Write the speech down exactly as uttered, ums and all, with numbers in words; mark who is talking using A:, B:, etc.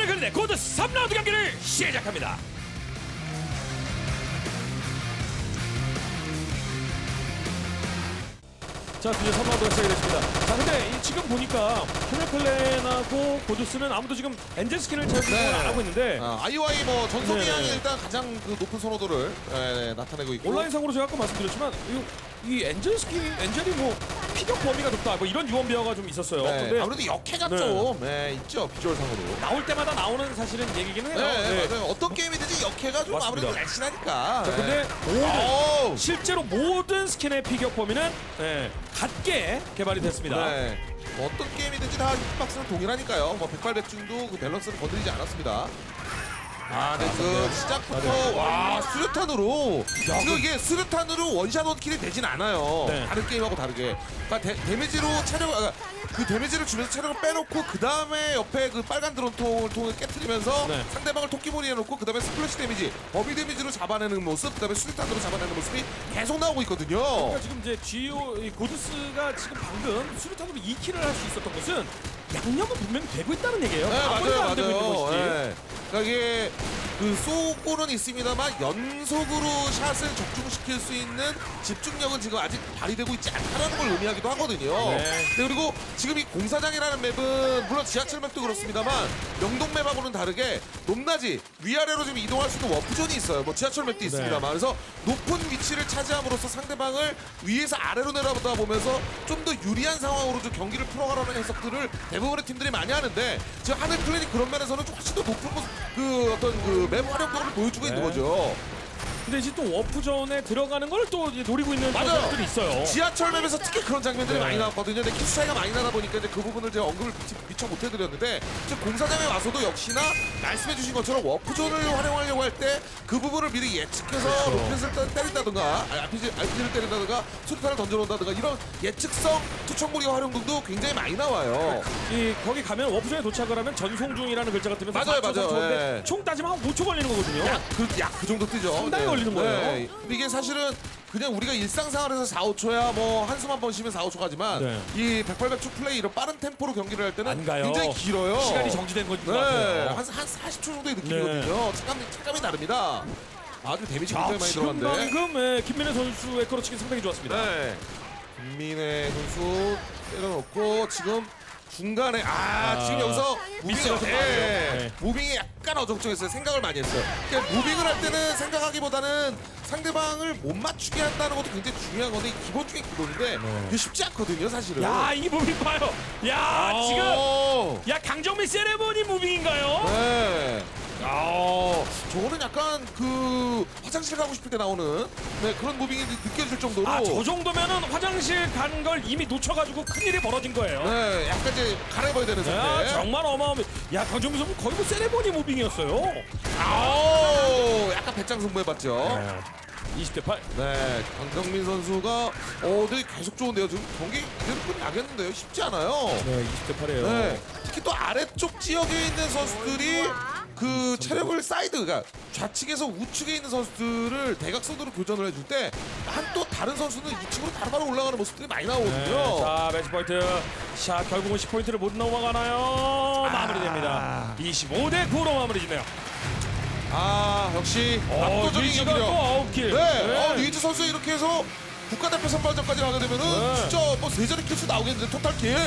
A: 승부를 걸는 고드 삼 라운드 경기를 시작합니다. 자, 드디어 삼 라운드가 시작이 됐습니다. 자, 근데 이 지금 보니까 하늘클랜하고 고드스는 아무도 지금 엔젤 스킨을 잘
B: 네.
A: 안 하고 있는데
B: 아, 아이오아이 뭐 전성기
A: 네.
B: 양이 일단 가장 그 높은 선호도를 예, 나타내고 있고
A: 온라인상으로 제가 아까 말씀드렸지만 이, 이 엔젤 스킨, 엔젤이 뭐 피격 범위가 높다 뭐 이런 유언비어가 좀 있었어요.
B: 네,
A: 근데
B: 아무래도 역해가
A: 네.
B: 좀 예, 있죠 비주얼상으로.
A: 나올 때마다 나오는 사실은 얘기긴 해요.
B: 네,
A: 네.
B: 맞아요. 어떤 게임이든지 역해가 좀
A: 맞습니다.
B: 아무래도 날씬하니까.
A: 자, 근데
B: 네.
A: 모든,
B: 오우.
A: 실제로 모든 스킨의 피격 범위는 네, 같게 개발이 됐습니다.
B: 네. 뭐 어떤 게임이든지 다 히트박스는 동일하니까요. 뭐 백발백중도 그 밸런스를 건드리지 않았습니다. 아, 근데 그 시작부터 와 수류탄으로 지금 이게 수류탄으로 원샷 원킬이 되진 않아요.
A: 네.
B: 다른 게임하고 다르게. 그러니까 데, 데미지로 체력 아, 그 데미지를 주면서 체력을 빼놓고 그 다음에 옆에 그 빨간 드론통을 통을 깨트리면서
A: 네.
B: 상대방을 토끼몰이 해놓고 그 다음에 스플래시 데미지, 범위 데미지로 잡아내는 모습, 그 다음에 수류탄으로 잡아내는 모습이 계속 나오고 있거든요.
A: 그러니까 지금 이제 지오 이 고드스가 지금 방금 수류탄으로 이 킬을 할 수 있었던 것은 양념은 분명히 되고 있다는 얘기예요.
B: 네,
A: 아무리도
B: 맞아요,
A: 안 되고 있는
B: 맞아요.
A: 것이지.
B: 네. 그러니까 이게 그 쏘고는 있습니다만 연속으로 샷을 적중시킬 수 있는 집중력은 지금 아직 발휘되고 있지 않다는 걸 의미하기도 하거든요.
A: 네.
B: 네, 그리고 지금 이 공사장이라는 맵은 물론 지하철 맵도 그렇습니다만 명동 맵하고는 다르게 높낮이 위아래로 좀 이동할 수 있는 워프존이 있어요. 뭐 지하철 맵도 있습니다만 그래서 높은 위치를 차지함으로써 상대방을 위에서 아래로 내려다 보면서 좀 더 유리한 상황으로 좀 경기를 풀어가라는 해석들을 대부분의 팀들이 많이 하는데 지금 하늘 클랜이 그런 면에서는 좀 훨씬 더 높은 모습, 그 어떤 그 맵 활용도를 보여주고 있는
A: 네.
B: 거죠.
A: 근데 이제 또 워프존에 들어가는 걸 또 노리고 있는
B: 맞아요.
A: 선수들이 있어요.
B: 지하철 맵에서 특히 그런 장면들이
A: 네.
B: 많이 나왔거든요. 근데 키스 차이가 많이 나다 보니까 이제 그 부분을 제가 언급을 미- 미처 못 해드렸는데 지금 공사장에 와서도 역시나 말씀해주신 것처럼 워프존을 활용하려고 할 때 그 부분을 미리 예측해서
A: 그렇죠.
B: 로켓을 때린다든가 알피지, 알피지를 때린다든가 수류탄을 던져놓는다든가 이런 예측성 투척무기 활용도 굉장히 많이 나와요.
A: 이 거기 가면 워프존에 도착을 하면 전송 중이라는 글자가 뜨면서
B: 맞아요,
A: 사 초,
B: 맞아요.
A: 삼 초인데
B: 네.
A: 총 따지면 한 오 초 걸리는 거거든요.
B: 약 그 약 그 정도 뜨죠.
A: 상당히 걸리는 거예요.
B: 근데 이게 사실은 그냥 우리가 일상생활에서 사, 오 초야 뭐 한숨 한 번 쉬면 사, 오 초 가지만
A: 네.
B: 이 백팔백축 플레이 이런 빠른 템포로 경기를 할 때는
A: 안 가요.
B: 굉장히 길어요.
A: 시간이 정지된 것인 것
B: 네.
A: 같아요.
B: 한, 한 사십 초 정도의 느낌이거든요. 체감이, 체감이 다릅니다. 아주 데미지
A: 자,
B: 굉장히 많이
A: 지금
B: 들어갔는데.
A: 방금 예, 김민혜 선수의 크로치기 상당히 좋았습니다.
B: 네. 김민혜 선수 때려놓고 지금 중간에 아,
A: 아,
B: 지금 여기서
A: 미스가
B: 무빙이
A: 좀
B: 예,
A: 많아요. 네.
B: 무빙이 약간 어정쩡했어요. 생각을 많이 했어요. 그러니까 무빙을 할 때는 생각하기보다는 상대방을 못 맞추게 한다는 것도 굉장히 중요한 건데 기본 중에 기본인데 그게 쉽지 않거든요, 사실은.
A: 야, 이 무빙 봐요. 야,
B: 오.
A: 지금 야 강정민 세레모니 무빙인가요?
B: 네. 아, 저거는 약간 그 화장실 가고 싶을 때 나오는 네, 그런 무빙이 느- 느껴질 정도로.
A: 아, 저 정도면은 화장실 간 걸 이미 놓쳐가지고 큰일이 벌어진 거예요.
B: 네, 약간 이제 갈아입어야 되는
A: 야,
B: 상태.
A: 정말 어마어마. 야, 강정민 선수 거의 뭐 세레모니 무빙이었어요.
B: 아우, 약간 배짱 승부해봤죠.
A: 이십 대 팔.
B: 네, 강정민 선수가 어, 되게 계속 좋은데요. 지금 경기 이대로 끝나겠는데요. 쉽지 않아요.
A: 네, 이십 대 팔이에요.
B: 네, 특히 또 아래쪽 지역에 있는 선수들이 그 체력을 사이드, 그러니까 좌측에서 우측에 있는 선수들을 대각선으로 교전을 해줄 때 한 또 다른 선수는 이 층으로 바로바로 올라가는 모습들이 많이 나오거든요.
A: 네, 자, 매치 포인트. 자, 결국은 십 포인트를 못 넘어가나요? 마무리됩니다. 이십오 대 구로 마무리지네요.
B: 아, 역시
A: 어,
B: 압도적인
A: 리즈가 또
B: 경기력.
A: 아홉 킬.
B: 네, 어, 리즈 선수 이렇게 해서 국가대표 선발전까지 가게 되면은
A: 네.
B: 진짜 뭐 세 자리 킬수 나오겠는데 토탈 킬.